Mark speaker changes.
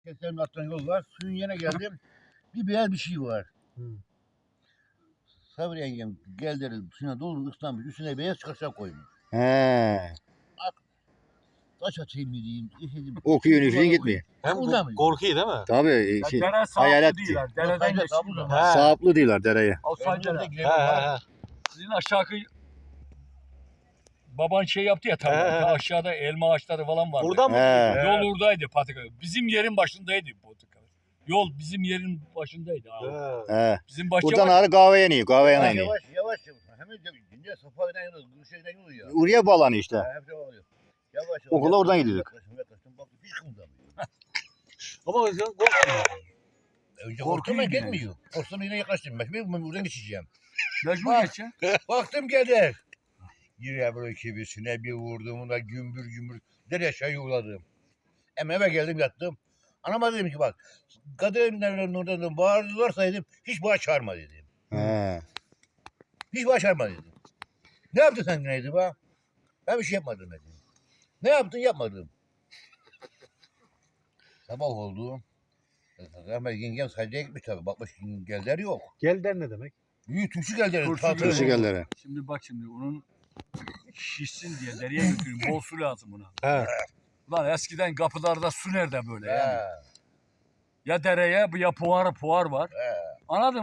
Speaker 1: Keserin alttan yol var. Suyun yerine geldim. Bir beyaz bir şey var. Sabri yengem geldi suyuna doldu ıslanmış. Üstüne beyaz çıkarsa koymuş.
Speaker 2: He.
Speaker 1: Taş atayım mı diyeyim. Dedim,
Speaker 2: Okuyor
Speaker 1: duvara
Speaker 2: üfleyin gitmiyor.
Speaker 3: Hem
Speaker 1: Burada mı?
Speaker 3: korkuyor değil mi?
Speaker 2: Tabii şey,
Speaker 4: Dere
Speaker 2: hayalet
Speaker 4: sağlıklı değiller. Dereden
Speaker 1: Yok,
Speaker 4: geçiyor.
Speaker 1: sabun
Speaker 3: He.
Speaker 2: Sağıplı diyorlar dereye.
Speaker 4: Alsay dere.
Speaker 3: He.
Speaker 4: Sizin aşağı baban şey yaptı ya tabii.
Speaker 3: He.
Speaker 4: Aşağıda elma ağaçları falan vardı.
Speaker 3: Buradan mı?
Speaker 2: He.
Speaker 3: gidiyor?
Speaker 4: Yol oradaydı patika. Bizim yerin başındaydı patika. Yol bizim yerin başındaydı abi.
Speaker 3: He.
Speaker 2: He.
Speaker 4: Bizim bahçe
Speaker 2: Buradan
Speaker 4: var.
Speaker 2: ağrı kahveye iniyor. Kahveye
Speaker 1: Yavaş
Speaker 2: iniyor.
Speaker 1: yavaş yavaş. Hemen dinle Safa'dan yolu, Gülşehir'den yolu ya.
Speaker 2: Oraya bağlanıyor işte.
Speaker 1: Hep şey oluyor. Yavaş.
Speaker 2: Okula oradan gidiyorduk.
Speaker 1: Yaklaştım. Bak hiç kımıldamıyor.
Speaker 3: Ama o yüzden korkmuyor.
Speaker 1: Önce
Speaker 4: Korkuyor
Speaker 1: korktum ben
Speaker 4: yine.
Speaker 1: gitmiyor. Korktum yine yaklaştım. Ben buradan geçeceğim.
Speaker 4: Mecbur
Speaker 1: Bak.
Speaker 4: geçeceksin.
Speaker 1: Baktım geldi. Yine böyle kibisine bir vurdum. Ona gümbür gümbür. Dere aşağı yuvarladım. Hem eve geldim yattım. Anama dedim ki bak. Kadınların oradan bağırdılarsa dedim. Hiç bağır çağırma dedim.
Speaker 2: He.
Speaker 1: Hiç bağır çağırma dedim. Ne yaptın sen neydi be? Ben bir şey yapmadım dedim. Ne yaptın yapmadım. Sabah oldu. Rahmet yengem sadece gitmiş tabii. Bakmış gelder yok.
Speaker 3: Gelden ne demek?
Speaker 1: Büyük tümsü gelder.
Speaker 4: Turşu
Speaker 1: Tatlı.
Speaker 2: Turşu gelleri.
Speaker 4: Şimdi bak şimdi onun şişsin diye dereye götürün. Bol su lazım ona.
Speaker 3: He.
Speaker 4: Ulan eskiden kapılarda su nerede böyle yani?
Speaker 1: He,
Speaker 4: Ya dereye ya puar var.
Speaker 1: he.
Speaker 4: Anladın mı?